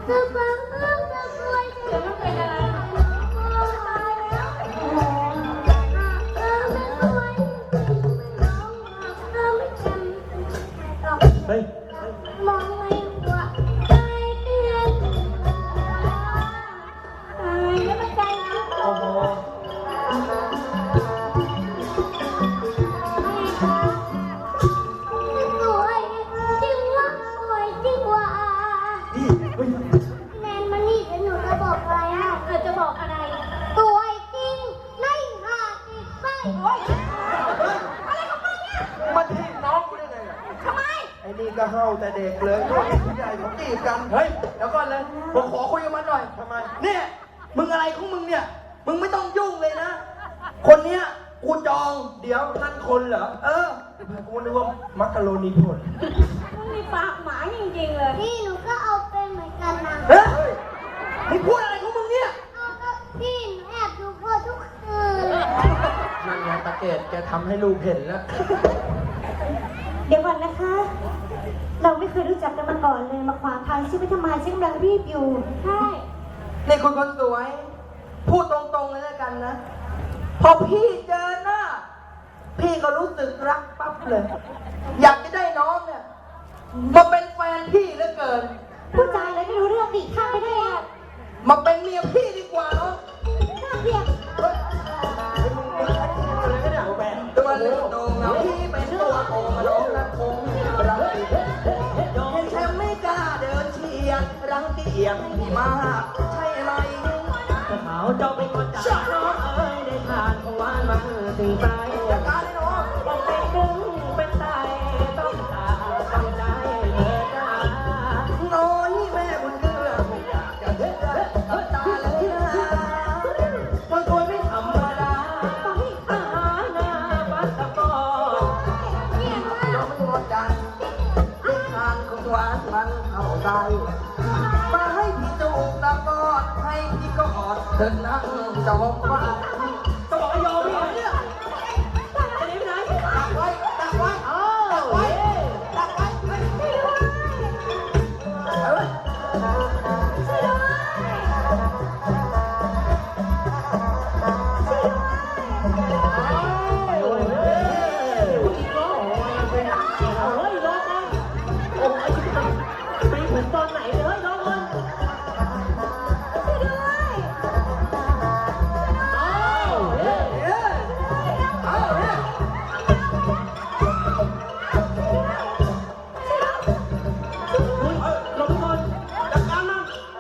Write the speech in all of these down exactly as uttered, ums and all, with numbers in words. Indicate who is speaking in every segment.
Speaker 1: จะฟังเรื่องจะรวยจะไม่เป็นอะไร
Speaker 2: เฮ้ย
Speaker 1: มองไม่หัวใจเตือนตายแล้วมันใจนะ
Speaker 2: โอ้โห
Speaker 1: สวยจริงวะสวยจริงวะแนนมานี่เดี๋ยวหนูจะบอกอะไรอ่ะเธอจะบอกอะไรสวยจริงไม่หาจิตไม่โอ๊ยอะไรของมึงเนี่ย
Speaker 3: มาทีบน้องกูได้ไงอ่ะ
Speaker 1: ทำไม
Speaker 3: ไอ้นี่ก็เฮาแต่เด็กเลยพวกผู้ใหญ่เขาจีบกัน
Speaker 2: เฮ้ยเดี๋ยวก่อนเลยผมขอคุยกับมันหน่อย
Speaker 3: ทำไม
Speaker 2: เนี่ยมึงอะไรของมึงเนี่ยมึงไม่ต้องยุ่งเลยนะคนเนี้ยกูจอง
Speaker 3: เดี๋ยวนั่นคนเหรอ
Speaker 2: เออ
Speaker 3: กูนึกว่ามักกะโรนีผล
Speaker 1: มึงมีปากหมาจริงๆเลยพี่หนูก็เอาเป็นเหมือนกันนะ
Speaker 2: เฮ้ยมึงพูดอะไรของมึงเนี่ย
Speaker 1: เอาก็พี่หนูแอบดูพ่อทุกคืน
Speaker 3: นั่นไงตะเกดแกทำให้ลูกเห็นแล้ว
Speaker 4: เดี๋ยวก่อนนะคะ เราไม่เคยรู้จักกันมาก่อนเลยมาขวางทางฉันไปทำไมฉันกำลังรีบอยู่
Speaker 1: ใช่
Speaker 2: นี่คุณคนสวย พูดตรงๆเลยแล้วกันนะ พอพี่เจอหน้า พี่ก็รู้สึกรักปั๊บเลย อยากจะได้น้องเนี่ยมาเป็นแฟนพี่เหลือเกิน
Speaker 4: ผู้ชายอะไรไม่รู้เรื่องดิข้ามไปได้อะ
Speaker 2: มาเป็นเมียพี่ดีกว่าเนาะ
Speaker 4: น่าเกลียด
Speaker 2: ตัวเล็กโตเงาพี่เป็นตัวโตมาน้องรักคงรักพี่เห็นแชมป์ไม่กล้าเดินเชียร์รังเกียจพี่มากใช่ไหม
Speaker 5: เขาเจ้าเป็นคนจ่ายน้องเอ้ยได้ทานของหวานมาถึงใจ
Speaker 2: จัดการเลยน้อง
Speaker 5: ต้องเป็นดึงเป็นใจต้องตาต้องใจเธอจ้า
Speaker 2: น้อยแม่บุญเกลือผมอยากจะเห็นกับตาเลยนะ
Speaker 5: คนสวยไม่ธรรมดาอาหารหน้าบัสกอ
Speaker 2: น้องไม่หมดจันเล่นทานของหวานมันเข้าใจมาให้พี่จูบตะกอดให้พี่กอดเถิดนั่งจอมฟ้า
Speaker 5: ต้องบอกว่ายอมพี่เนี่ยจะหนีไปไหน
Speaker 2: ดักไว้ดักไว้
Speaker 5: อ้า
Speaker 2: ดั
Speaker 5: ว
Speaker 2: กไว้ดักไว้เฮ้ยเฮ้ย
Speaker 5: โอ้ยเฮ้ยผู้หญิงร้องโอ้ยเป็นเฮ้ยร้องก่อนโอ้ยไปถึงตอนไหนเลยเฮ้ยร้องก่อนอ้าวเฮ้ย
Speaker 2: เฮ้ยเอาเฮ้ย
Speaker 5: คุณหลบก่อนจัดการมัน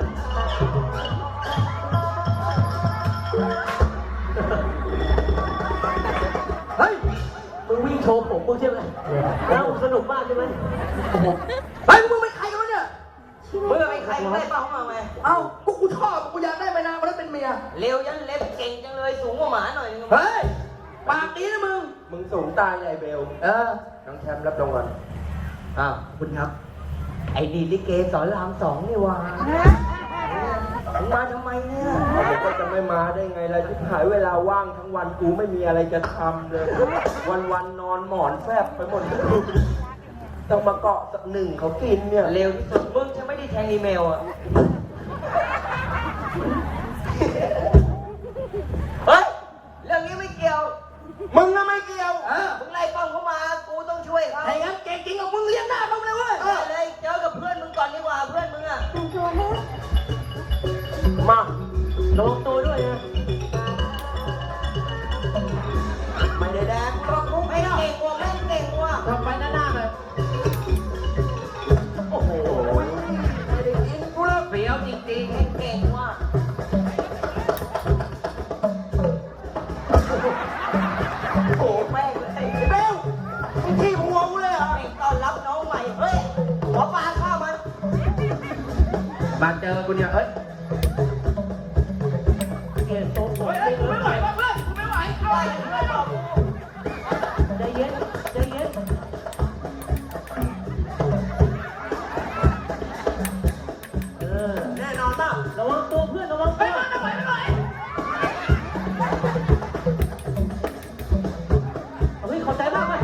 Speaker 2: เฮ้ย
Speaker 5: มึงวิ่งโชว์ผมมึงใช่ไหมแล้วสนุกมากใช่ไหม
Speaker 2: เฮ้ยมึงเป็นใครกันวะเนี่ย
Speaker 6: มึงเป็นใครได้เปล่ามาไหม
Speaker 2: เอ้ากูกูชอบกูอยากได้ไปนานมาแล้วเป็นเมีย
Speaker 6: เร็วยันเล็บเก่งจังเลยสูงกว่าหมาหน่อยนึง
Speaker 2: เฮ้ย ปากดีนะมึง
Speaker 3: มึงสูงตายใหญ่เบล
Speaker 2: เออ
Speaker 3: น้องแชมป์รับรางวัล
Speaker 6: อ้าวคุณครับ ไอ้นี่ลิเกสอนรามสองนี่หว่ามึงมาทำไมเนี่ย
Speaker 3: เขาบอกว่าจะไม่มาได้ไงล่ะที่หายเวลาว่างทั้งวันกูไม่มีอะไรจะทำเลย วันวันๆนอนหมอนแฟบไปหมดต้องมาเกาะสักหนึ่งเขากินเนี่ย
Speaker 6: เร็วที่สุดมึงจะไม่ได้แทงอีเมลอ่ะ เฮ้ย เรื่องนี้ไม่เกี่ยว
Speaker 2: มึงน่ะไม่เกี่ยว เออ
Speaker 6: มึงไล่ป้องเขามา กูต้องช่วยเขา
Speaker 2: ไอ้งั้นเก่งจริงของมึงเลี้ยงหน้าเขาเลยเว้ย
Speaker 6: ได้เลย เจอกับเพื่อนมึงก่อนดีกว่า เพื่อนมึงอ่ะ
Speaker 4: แต่งตัวให้
Speaker 5: มาระวังตัวด้วยนะ
Speaker 6: ไม่ได้แดงรอบมุกไม่เก่งว่ะแม่งเก่งว่ะ
Speaker 5: ทำไปหน้าๆเลยโอ้โห
Speaker 2: ไม่ได้กินกูแล้ว
Speaker 6: เปรี้ยวจริงๆแม่งเก่งว่ะ โอ้โหแม่งเลย
Speaker 2: ไอ้เบลมึงขี้หัวกูเลยเหรอ
Speaker 6: แม่งต้อนรับน้องใหม่ เฮ้ย หัวปลาข้าวมัน
Speaker 3: มาเจอกูเนี่ยเฮ้ย
Speaker 5: เกลียดโต๊ะสวยจริงเลยใจเย็นใจเย็นเออ
Speaker 2: แน่นอนป่ะ
Speaker 5: ระวังตัวเพื่อนระวังตัว เฮ้ยขอบใจมากเลย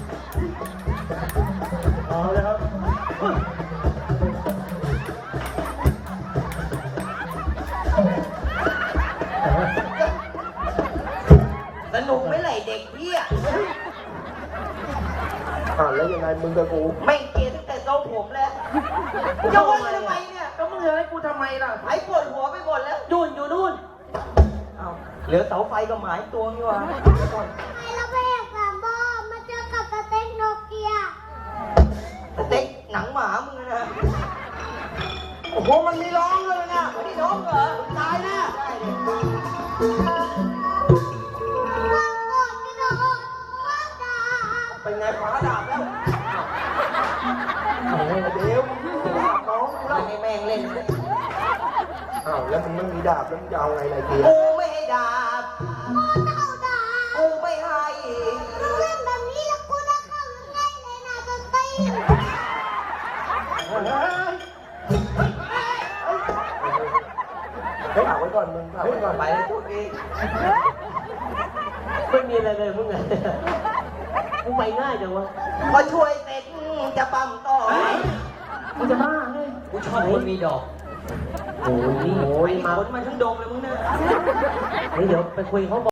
Speaker 5: เอาเลยครับ
Speaker 3: มึงกับกู
Speaker 2: ไม่เกลียดตั้งแต่ทรงผมแล้วจะว่าทำไมเนี่ย
Speaker 3: ก็มึงจะให้กูทำไมล่ะ
Speaker 2: หายปวดหัวไปหมดแล้ว
Speaker 5: นู่นอยู่นู่น
Speaker 2: เอ้าเหลือเสาไฟกับหมายตัวนี่วะเดี๋ยวก่อน
Speaker 1: ทำไมเราไปเอกสามบอมาเจอกับสเต็กโนเกีย
Speaker 2: สเต็กหนังหมามึงนะ โอ้โห มันมีร้องเลยนะไม่ได้ร้องเหรอ ตายแน่ได้เลย
Speaker 1: วางกดกระโดดวางดาบ
Speaker 3: เป็นไงฟ้าดาบแล้วเดี๋ยวมึงดาบน้องกู
Speaker 2: เรา
Speaker 3: แล้ว
Speaker 2: ให้แม่งเล่นเลย
Speaker 3: อ้าวแล้วมึงไม่มีดาบแล้วมึงจะเอาไงไรเกียร์
Speaker 2: กูไม่ให้ดาบ
Speaker 1: โอ้เจ้าดาบ
Speaker 2: กูไม่ให้
Speaker 1: มึงเล่นแบบนี้แล้วกูจะเข้ายังไงเลยนะจะตี
Speaker 3: เฮ้ยฝากไว้ก่อนมึงฝากไว้ก่อน
Speaker 2: ไปเลยพูดอีก
Speaker 5: ไม่มีอะไรเลยมึงไงมึงไปง่ายจังวะ
Speaker 2: พอช่วยเสร็จจะปั๊มต่อ
Speaker 5: มึงจะบ้าไง
Speaker 2: กูชอบคนมีดอก
Speaker 5: โอ้ยนี่
Speaker 2: โอ้ยขนมาทั้งดงเลยมึงเนี่ย
Speaker 5: เฮ้ยเดี๋ยวไปคุยเขา